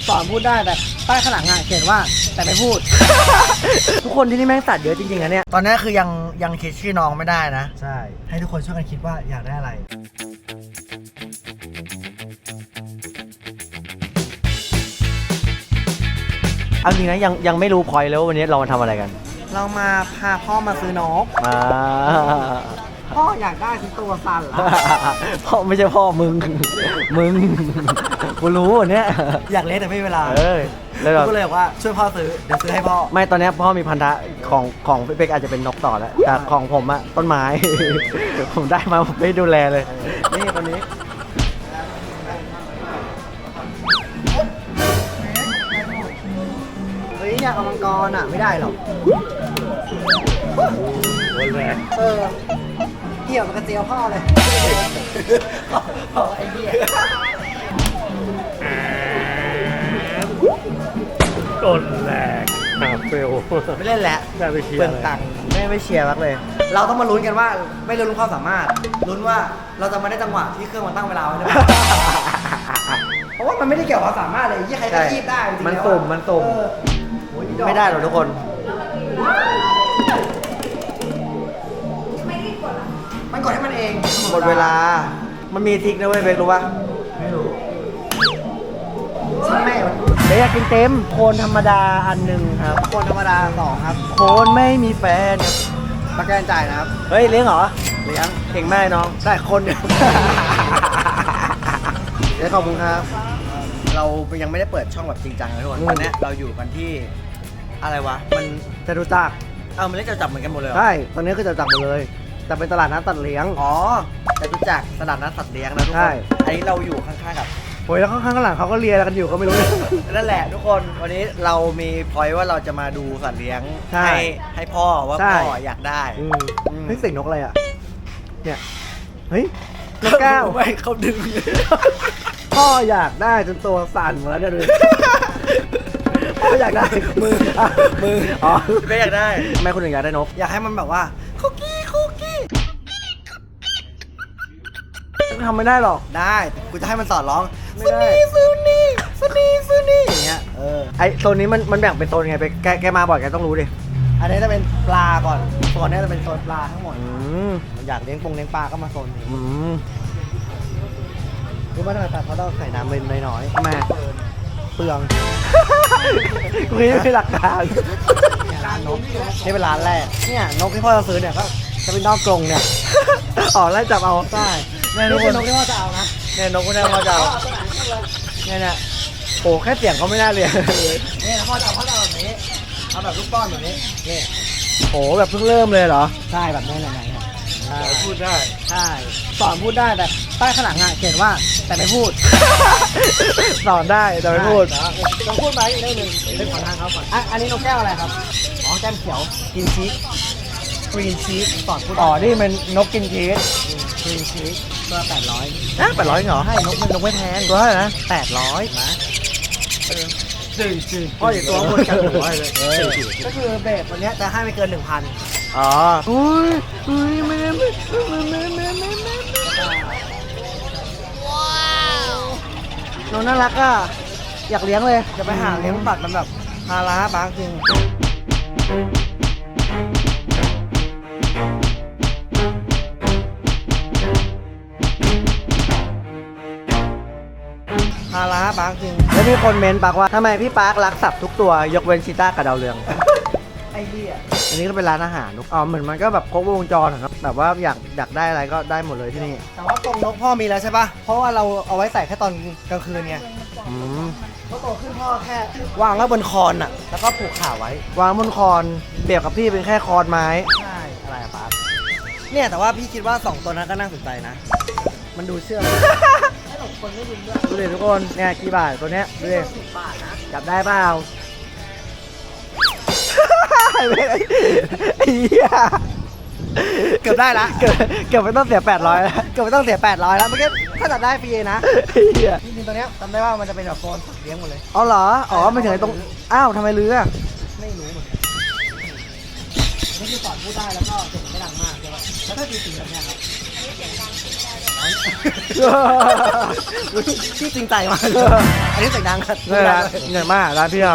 สอนพูดได้แต่ป้ายข้างหลังเขียนว่าแต่ไม่พูด ทุกคนที่นี่แม่งสัตว์เยอะจริงๆนะเนี่ยตอนนี้คือยังคิดชื่อน้องไม่ได้นะใช่ให้ทุกคนช่วยกันคิดว่าอยากได้อะไรเอาจริงนะยังไม่รู้พอยต์แล้ววันนี้เรามาทำอะไรกันเรามาพาพ่อมาซื้อนกพ่ออยากได้ที่ตัวสั่นละพ่อไม่ใช่พ่อมึงกูรู้เนี่ยอยากเล่นแต่ไม่มีเวลาแล้วก็เลยบอกว่าช่วยพ่อซื้อเดี๋ยวซื้อให้พ่อไม่ตอนนี้พ่อมีพันธะของพี่เป๊กอาจจะเป็นนกต่อแล้วแต่ของผมอะต้นไม้ ผมได้มาผมไม่ดูแลเลยนี่ตอนนี้เฮ้ยอยากเอามังกรอะไม่ได้หรอกเกี่ยวกับกระเจียวพ่อเลยไอ้เหี้ยโดนแหลกเฟลไม่เล่นแล้วเปลืองตังค์ไม่เชียร์มากเลยเราต้องมาลุ้นกันว่าไม่ลุ้นความสามารถลุ้นว่าเราจะมาได้จังหวะที่เครื่องมันตั้งเวลาไว้ได้ไหมเพราะว่ามันไม่ได้เกี่ยวกับความสามารถเลยยี่ใครก็คีบได้มันสุ่มไม่ได้หรอกทุกคนมันกดให้มันเองหมดเวลามันมีทิกนะเว้ยเบครู้ป่ะไม่รู้ฉันไม่เบคอยากกินเต็มโคนธรรมดาอันหนึ่งครับโคนธรรมดา2ครับโคนไม่มีแฟนประกันจ่ายนะครับเฮ้ยเลี้ยงเหรอเลี้ยงเก่งมากน้องได้คนเดียวเดี๋ยวขอบคุณครับเรายังไม่ได้เปิดช่องแบบจริงจังเลยทุกคนวันนี้เราอยู่กันที่อะไรวะมันจะรู้จักมันเล่นจะจับเหมือนกันหมดเลยใช่ตอนนี้คือจะจับหมดเลยแต่เป็นตลาดนัดสัตว์เลี้ยงจะรู้จักตลาดนัดสัตว์เลี้ยงนะทุกคนอันนี้เราอยู่ข้างๆกับโอ้ยแล้วข้างๆหลังเขาก็เลียกันอยู่ก็ไม่รู้นั่นแหละทุกคนวันนี้เรามีพอยต์ว่าเราจะมาดูสัตว์เลี้ยงให้พ่อว่าพ่ออยากได้เฮ้ยเสียงนกอะไรอ่ะเนี่ยเฮ้ยนกแก้วไม่เขาดึงพ่ออยากได้จนตัวสั่นหมดแล้วเนี่ยดูพ่ออยากได้มืออ๋อไม่อยากได้ทำไมคนอื่นอยากได้นกอยากให้มันแบบว่าคุกกี้ทำไม่ได้หรอกได้กูจะให้มันสอนร้องซูนี่อย่างเงี้ยไอโซนนี้มันแบ่งเป็นโซนไงไปแกมาบ่อยแกต้องรู้ดิอันนี้จะเป็นปลาก่อนโซนนี้จะเป็นโซนปลาทั้งหมดอยากเลี้ยงปลาก็มาโซนนี้รู้ไหมทำไมปลาเขาต้องใส่น้ำเล็กน้อยทำไมเปลืองกูนี่ไม่หลักการร้านนกนี่เป็นร้านแรกเนี่ยนกที่พ่อจะซื้อเนี่ยก็จะเป็นนอกกรงเนี่ยอ๋อไล่จับเอาใช่นี่เป็นนกที่พ่อจะเอานะเนี่ยนกที่พ่อจะเอาเนี่ยโอ้แค่เสียงเขาไม่น่าเรียนเนี่ยพ่อจะเอาแบบนี้เอาแบบลูกป้อนแบบนี้นี่โอ้แบบเพิ่งเริ่มเลยเหรอใช่แบบนี้ยังไงพูดได้ใช่สอนพูดได้แต่ป้ายข้างหลังเขียนว่าแต่ไม่พูดสอนได้แต่ไม่พูดต้องพูดไปอีกเรื่องหนึ่งเป็นขอทางเขาก่อนอันนี้นกแก้วอะไรครับอ๋อแก้มเขียวกินชีสกรีนชีสสอนพูดนี่มันนกกินชีสกรีนชีสตัว800นะ800เหรอให้นกไม่แพงตัวเท่าไหร่นะ800นะจืดพ่ออย่าตัวบนกันหัวเลยก็คือเบสวันนี้จะให้ไม่เกิน 1,000อ๋ออุ้ยไม่ว้าวน้องน่ารักอ่ะอยากเลี้ยงเลยจะไปหาเลี้ยงสัตว์มันแบบภาระบางจริงภาระปาร์คจริงแล้วมีคนเมนต์ปากว่าทำไมพี่ปาร์ครักสัตว์ทุกตัวยกเว้นชีต้ากับดาวเรืองไอ้เหี้ยอันนี้ก็เป็นร้านอาหารเหมือนมันก็แบบครบวงจรครับแบบว่าอยากได้อะไรก็ได้หมดเลยที่นี่แต่ว่ากรงนกพ่อมีแล้วใช่ปะเพราะว่าเราเอาไว้ใส่แค่ตอนกลางคืนไงก็โตขึ้นพ่อแค่วางไว้บนคอนแล้วก็ผูกขาไว้วางบนคอนเปรียบกับพี่เป็นแค่คอนไม้ใช่อะไรอะปาร์คเนี่ยแต่ว่าพี่คิดว่า2ตัวนั้นก็น่าสนใจนะมันดูเชื่อคนไม่ยินด้วยดูดิทุกคนเนี่ยกี่บาทตัวเนี้ยดูดิ10 บาทนะจับได้เปล่าไอ้เหี้ยเกือบได้ละเกือบไม่ต้องเสีย800แล้วเกือบไม่ต้องเสีย800แล้วเมื่อกี้ถ้าจับได้ฟรีนะไอ้เหี้ยจริงๆตัวเนี้ยจำได้ว่ามันจะเป็นแบบโซนเลี้ยงหมดเลยอ๋อเหรอไม่ถึงตรงทำไมลื้อไม่รู้เหมือนกันนี่คือสอนพูดได้แล้วก็เสียงไม่ดังมากใช่ไหมแล้วถ้าตีสีแบบเนี้ยครับที่จริงใจมากอันนี้เสียงดังครับนี่แหละใหญ่มากร้านพี่เรา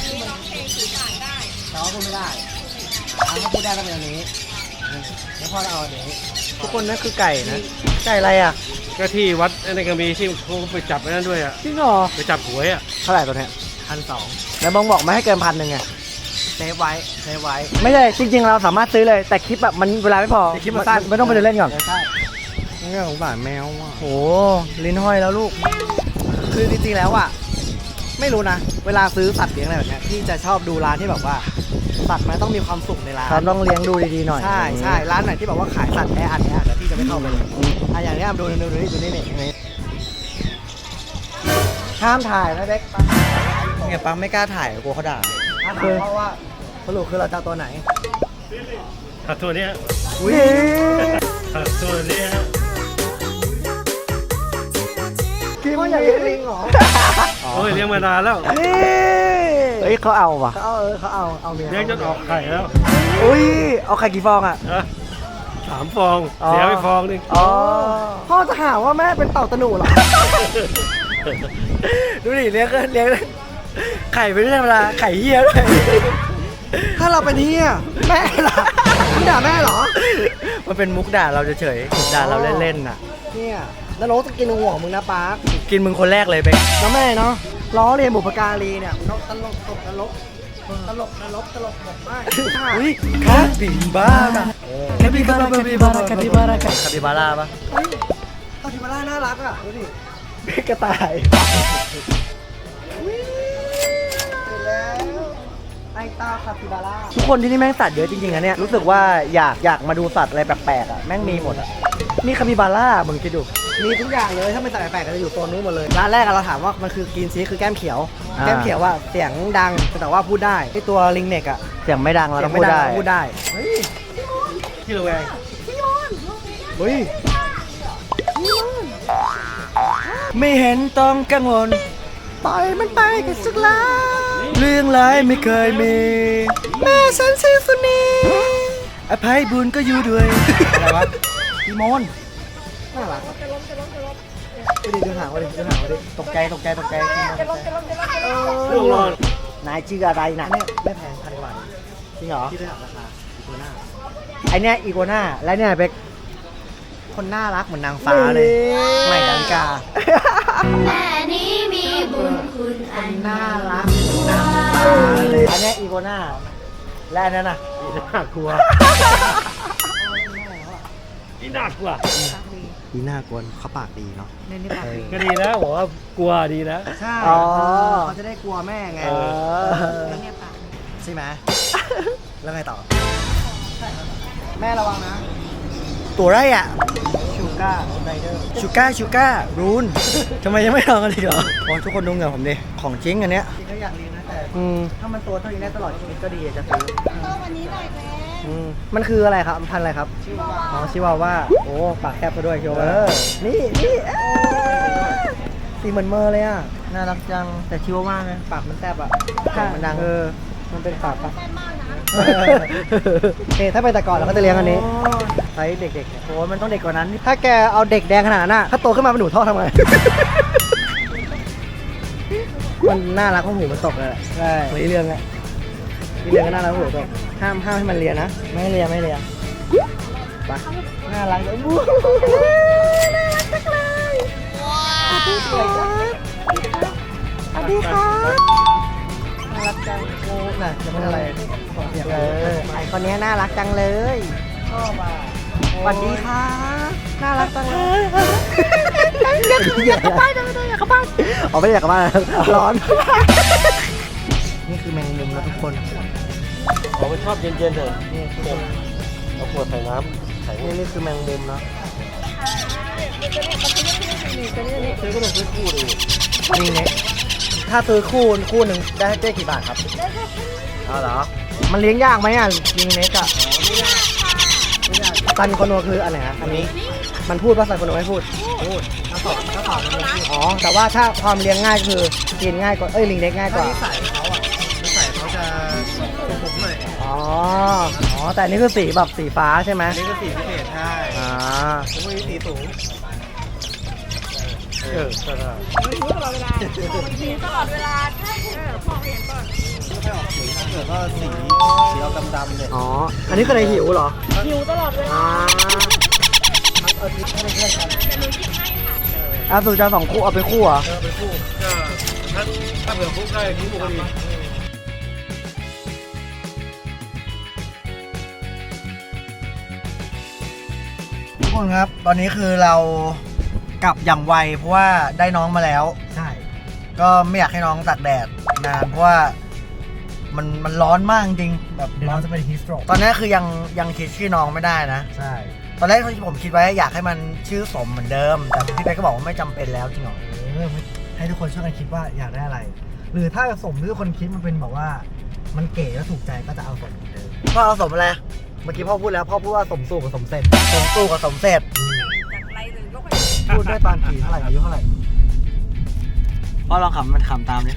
แต่ว่าพูดไม่ได้ถ้าพูดได้ต้องเป็นอันนี้แล้วพ่อเราเอาอันนี้ทุกคนนั่นคือไก่นะไก่อะไรอ่ะก็ที่วัดในกระมีที่เขาไปจับไว้นั่นด้วยอ่ะจริงเหรอไปจับหวยอ่ะเท่าไหร่ตัวเนี้ย1,200แล้วบองบอกไม่ให้เกิน1,000ไงเซฟไว้ไม่ใช่จริงๆเราสามารถซื้อเลยแต่คลิปแบบมันเวลาไม่พอแต่คลิปมันสั้นไม่ต้องไปเดินเล่นก่อนใช่นี่ของบ้านแมวอ่ะโอ้ลิ้นห้อยแล้วลูก คือจริงๆแล้วอ่ะไม่รู้นะเวลาซื้อสัตว์เลี้ยงอะไรแบบเนี้ยพี่จะชอบดูร้านที่แบบว่าสัตว์มันต้องมีความสุขในร้านครับต้องเลี้ยงดูดีๆหน่อยใช่ร้านไหนที่แบบว่าขายสัตว์แออัดเนี่ยเดี๋ยวพี่จะไม่เข้าไปเลยอย่างเนี้ยดูนี่ห้ามถ่ายนะเด็กเนี่ยปังไม่กล้าถ่ายกลัวเขาด่าเพราะว่าสรุปคือเราจะเอาตัวไหนตัวเนี้ยอุ้ยตัวเนี้ยคิดว่าอยากเลี้ยงลิงเหรอโอ้ยเลี้ยงมานานแล้วนี่เฮ้ยเขาเอาว่ะเขาเอาเมียเลี้ยงจนออกไข่แล้วอุ้ยเอาไข่กี่ฟองอ่ะนะ3 ฟองเสียไปฟองนึงอ๋อพ่อจะหาว่าแม่เป็นเต่าตะหนูเหรอ ดูดิเลี้ยงไข่ไม่ใช่ธรรมดาไข่เหี้ยด้วยถ้าเราเป็นเหี้ยแม่ล่ะมึงด่าแม่เหรอมันเป็นมุกด่าเราเฉยๆด่าเราเล่นๆน่ะเนี่ยแล้วโรสจะกินหัวมึงนะปาร์คกินมึงคนแรกเลยเป๊กแล้วแม่เนาะล้อเรียนบุพการีเนี่ยตลกตลกบอกมากอุ้ยคาปิบาร่าคาปิบาร่าปะคาปิบาร่าน่ารักอ่ะดูดิกระต่ายแล้วไอตาคาปิบาร่าทุกคนที่นี่แม่งสัตว์เยอะจริงๆนะเนี่ยรู้สึกว่าอยากมาดูสัตว์อะไรแปลกๆอ่ะแม่งมีหมดอ่ะนี่คาปิบาร่ามึงคิดดูมีทุกอย่างเลยถ้าเป็นสัตว์แปลกๆก็จะอยู่โซนนู้นหมดเลยร้านแรกเราถามว่ามันคือกินซีคือแก้มเขียวแก้มเขียวว่าเสียงดังแต่ว่าพูดได้ไอตัวลิงเน็กอ่ะเสียงไม่ดังเราเสีต้ยอง งพูดได้พูดได้เฮ้ยที่ระแวงเฮ้ยไม่เห็นต้องกังวลปล่อยมันไปกันสักแล้วเรื่องร้ายไม่เคยมีแม่ฉันชื่อสุนีอภัยบุญก็อยู่ด้วยอะไรวะพี่มนน่ารักดูหางวะดิตกใจลูกนอนนายชื่ออะไรนะเนี่ยไม่แพง1,000 กว่าบาทจริงเหรอที่ได้ถามราคาอีโกน่าไอเนี้ยอีโกน่าและเนี่ยเป็กคนน่ารักเหมือนนางฟ้าเลยใหม่ดาวิกาแม่นี้มีบุญคุณอันน่ารักนางฟ้าเลยอันเนี้ยอีโกน่าและอันนั้นน่ะน่ากลัวนี่น่ากลัวดีน่ากวนเขาปากดีเนาะก็ดีแล้วบอกว่ากลัวดีแล้วใช่เขาจะได้กลัวแม่ไงใช่ไหมแล้วไงต่อแม่ระวังนะตัวไรอ่ะชูก้าไรเดอร์ชูก้ารูนทำไมยังไม่ลองกันเลยเหรอทุกคนดูเหงื่อผมดิของจริงอันเนี้ยจริงก็อยากเรียนนะแต่ถ้ามันตัวเท่านี้ได้ตลอดชีวิตก็ดีจะซื้อมันคืออะไรครับพันธุ์อะไรครับชิวาว่าโอ้ปากแคบซะด้วยชิวาว่านี่สีเหมือนเมอร์เลยอ่ะน่ารักจังแต่ชิวาว่าไงปากมันแทบอ่ะมันดังมันเป็นปากปะถ้าไปแต่ก่อนเราก็จะเลี้ยงอันนี้ไซส์เด็กๆโอ้มันต้องเด็กกว่านั้นถ้าแกเอาเด็กแดงขนาดนั้นถ้าโตขึ้นมาเป็นหนูท่อทำไงมันน่ารักเพราะหูมันตกเลยใช่มีเรื่องอะมีเรื่องก็น่ารักหูตกห้ามให้มันเลียนะไม่ให้เลียไปน่ารักเลยบู๊น่ารักจังเลยสวัสดีครับน่ารักจังโอ้น่ะจะเป็นอะไรไอคนนี้น่ารักจังเลยชอบอ่ะสวัสดีค่ะน่ารักจังเลยอยากกลับบ้านอยากกลับบ้านอ๋อไม่ได้อยากกลับบ้านร้อนนี่คือแมงมุมนะทุกคนผมไม่ชอบเย็นๆเลยนี่เอาขวดใส่น้ำใส่นี่คือแมงมุมเนาะซื้อก็ต้องซื้อคู่ดินี่เนี่ยถ้าซื้อคู่หนึ่งได้กี่บาทครับเอาเหรอมันเลี้ยงยากไหมอ่ะลิงเน็กอ่ะซันโคโนคืออันไหนอันนี้มันพูดว่าซันโคโนไม่พูดถ้าสอนมันพูดอ๋อแต่ว่าถ้าความเลี้ยงง่ายคือกินง่ายกว่าลิงเน็กง่ายกว่านิสัยเขาจะผมหน่อยอ๋อแต่อันนี่คือสีแบบสีฟ้าใช่ไหมนี่ก็สีพิเศษใช่อ่าแล้วมีสีสูงใช่หิวตลอดเวลาใช่พ่อเห็นก่อนไม่ค่อยออกสีถ้าเกิดก็สีเอาดำๆเลยอ๋อ อันนี้คืออะไรหิวเหรอหิวตลอดเวลาอ่าเอาทิปให้เพื่อนกันอ่ะสูจะ2 คู่เอาไปคู่เหรอไปคู่ก็ถ้าเผื่อคู่ได้คู่ก็ดีทุกคนครับ ตอนนี้คือเรากลับอย่างไวเพราะว่าได้น้องมาแล้วใช่ก็ไม่อยากให้น้องตากแดดนานเพราะว่ามันร้อนมากจริงแบบเดี๋ยวน้องจะเป็นฮีสโตรกตอนนี้คือยังคิดชื่อน้องไม่ได้นะใช่ตอนแรกที่ผมคิดไว้อยากให้มันชื่อสมเหมือนเดิม แต่พี่เป๊กก็บอกว่าไม่จำเป็นแล้วจริงเหรอให้ทุกคนช่วยกันคิดว่าอยากได้อะไร หรือถ้าสมที่ทุกคนคิดมันเป็นแบบว่า มันเก๋แล้วถูกใจก็จะเอาสมเหมือนเดิมพ่อเอาสมอะไรเมื่อกี้พ่อพูดแล้วพ่อพูดว่าสมสู่กับสมเสร็จสมสู่กับสมเสร็จจากไรเลยยกให้พูดได้ตอนกี่เท่าไหร่อายุเท่าไหร่พ่อลองขำมันขำตามดิ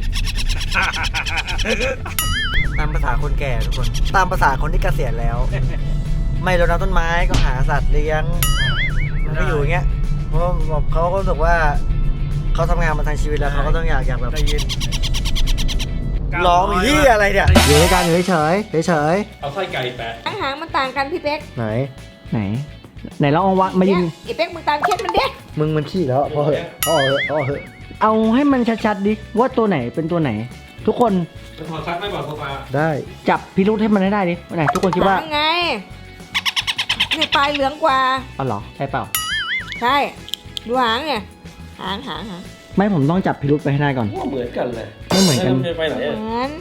ตามภาษาคนแก่ทุกคน ตามภาษาคนที่เกษียณแล้ว ไม่รดน้ำต้นไม้ก็หาสัตว์เลี้ยง มันก็อยู่อย่างเงี้ย เพราะว่าเขาก็รู้สึกว่าเขาทำงานมาทั้งชีวิตแล้วเขาก็ต้องอยากแบบได้ยินร้องที่อะไรเนี่ยอยู่ด้วยกันอยู่เฉยเฉยเอาไส้ไก่แปะหางมันต่างกันพี่เป๊กไหนไหนเราเอาวะมายิงไอ้เป๊กมึงตามเคสมันเด็กมึงมันขี้แล้วพอเหอะพอเหอะพอเหอะเอาให้มันชัดๆดิว่าตัวไหนเป็นตัวไหน ทุกคนเป็นพอซักไม่บอกโซฟาได้จับพิรุธให้มันให้ได้ดิว่าไหนทุกคนคิดว่าไงนี่ปลายเหลืองกว่าอ๋อเหรอใช่เปล่าใช่ ดูหางเนี่ยหางไม่ผมต้องจับพิรุธไปให้ได้ก่อนว่าเหมือนกันเลยไม่เหมือนกันแล้วจะไปไหนเหอะมือน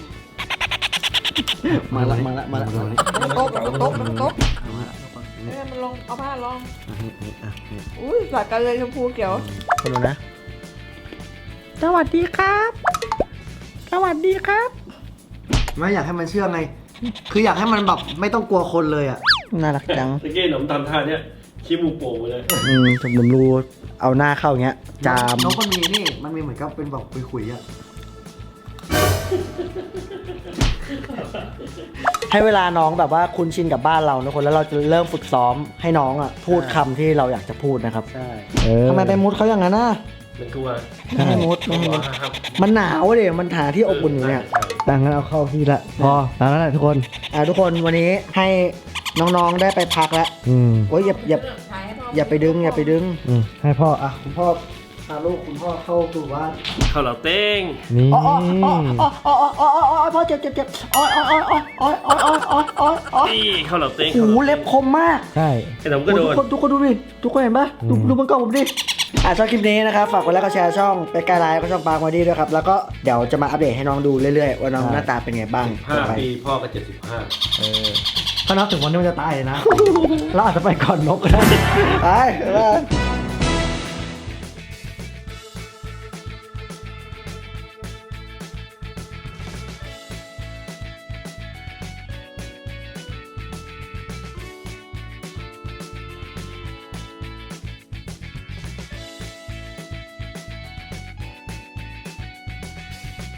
มาละมาละโต๊ะโต๊ะโต๊ะมันลงเอาผ้าลองอุ้ยสอดกันเลยชมพูเขียวคนดูนะสวัสดีครับ สวัสดีครับไม่อยากให้มันเชื่อไง คืออยากให้มันแบบไม่ต้องกลัวคนเลยอ่ะน่ารักจังตะกี้หนมทำท่าเนี้ยขี้มูกโป่งไปเลยผมรู้เอาหน้าเข้าอย่างเงี้ย จามน้องคนนี้นี่มันมีเหมือนกับเป็นแบบคุยๆอ่ะ ให้เวลาน้องแบบว่าคุ้นชินกับบ้านเราทุกคนแล้วเราจะเริ่มฝึกซ้อมให้น้องอ่ะพูดคำที่เราอยากจะพูดนะครับใช่ทำไมไปมุดเขาอย่างนั้นน่ะมันกลัวไม่ให้มุดไม่ให้มุดครับมันหนาวเลยมันหาที่อบอุ่นอยู่เนี่ยดังนั้นเอาเข้าที่ละพอแล้วแหละทุกคนทุกคนวันนี้ให้น้องๆได้ไปพักแล้ว โอ้ยอย่าไปดึงอย่าไปดึงให้พ่ออ่ะคุณพ่อพาลูกคุณพ่อเข้าสู่บ้านข้าวเหลาเต้งนี่อ๋อพ่อเจ็บอ๋อนี่ข้าวเหลาเต้งหูเล็บคมมากใช่ไอ้หนมก็โดนทุกคนดูดิทุกคนเห็นปะดูมันกล้องผมดิชอบคลิปนี้นะครับฝากกดไลค์กดแชร์ช่องไปไกลไลฟ์ก็ช่องปางวาดี้ด้วยครับแล้วก็เดี๋ยวจะมาอัปเดตให้น้องดูเรื่อยๆว่าน้องหน้าตาเป็นไงบ้าง 5 ปีพ่อก็ 75 ถ้านับถึงวันนี้มันจะตายเลยนะ เราอาจจะไปก่อนนกก็ได้ไป